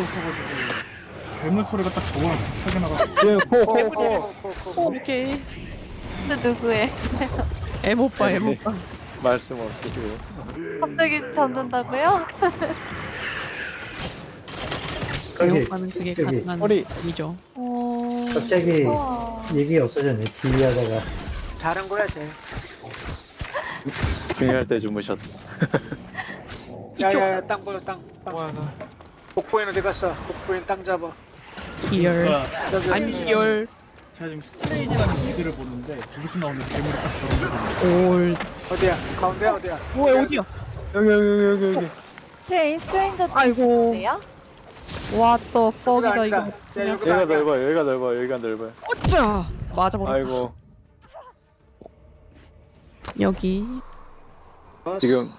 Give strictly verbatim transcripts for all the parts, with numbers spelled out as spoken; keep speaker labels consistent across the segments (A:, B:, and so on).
A: 있어가지고 괴물 소리가 딱 저거랑 비슷하게 나가지고.
B: 예, 코, 코,
C: 개구리.
B: 코.
C: 코, 오케이.
D: 근데 누구의?
C: 애모빠, 애모빠.
B: 말씀 없으시고.
D: 갑자기 잠든다고요?
E: 여기,
C: 애모빠는 그게
E: 여기.
C: 가능한
B: 허리.
C: 일이죠.
D: 어...
E: 갑자기
D: 우와.
E: 얘기 없어졌네. 지휘하다가.
F: 잘한 거야, 쟤.
B: 중요할 때 주무셨다.
F: 야야야, 땅 보여, 땅. 땅.
A: 와, 나
F: 복부인 어디 갔어? 복부인 땅 잡아.
C: 기열.
A: 그러니까
F: 저기,
C: 아니, 기열.
A: 제가 지금 스트레인이라는 무기를 보는데 거기서 나오는 괴물이 딱 저런 거.
C: 올.
F: 어디야? 가운데 어디야?
C: 뭐야, 어디야?
B: 여기, 여기, 여기, 여기, 여기.
D: 트레인 스트레인저
C: 아이고.
D: 네요?
C: 왓더 퍽이다,
F: 아니다.
C: 이거.
F: 야,
C: 그냥.
F: 여기가
B: 여기가
F: 아니야.
B: 넓어요, 여기가 넓어요, 여기가 넓어요.
C: 어짜! 맞아버렸다.
B: 아이고,
C: 여기.
F: 어,
B: 지금.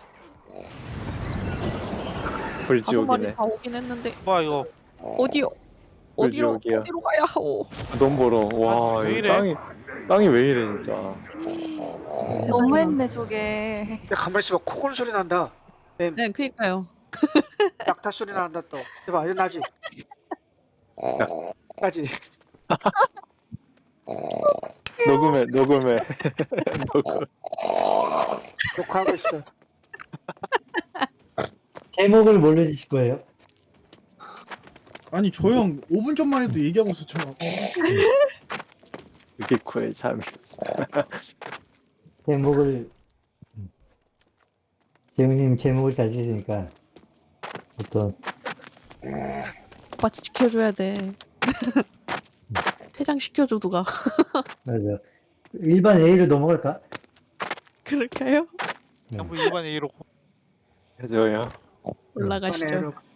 C: 다섯 마리
B: 불지옥이네.
C: 다 오긴 했는데.
A: 와 이거
C: 어디요? 어디로,
B: 불지옥이야.
C: 어디로 가야 하오?
B: 돈 벌어. 와,
A: 왜
B: 이
A: 이래?
B: 땅이, 땅이 왜 이래, 진짜.
D: 너무했네 저게.
F: 야, 가만히 있어봐. 코골 소리 난다. 뱀.
C: 네, 그니까요.
F: 낙타 소리 난다 또. 해봐, 이거 나지? 나지?
B: 녹음해, 녹음해. 녹음.
F: 녹화하고 있어.
E: 제목을 뭘로 지실 거예요?
A: 아니 저 형 오 분 전만 해도 얘기하고 있었잖아.
B: 유기코의 잠이.
E: 제목을 재훈님 제목을 잘 지으니까 어떤
C: 오빠 지켜줘야 돼. 퇴장시켜줘, 누가.
E: 맞아 일반 A로 넘어갈까?
C: 그럴까요?
A: 전부 일반 A로.
B: 해줘요.
C: 올라가시죠.
F: 꺼내로.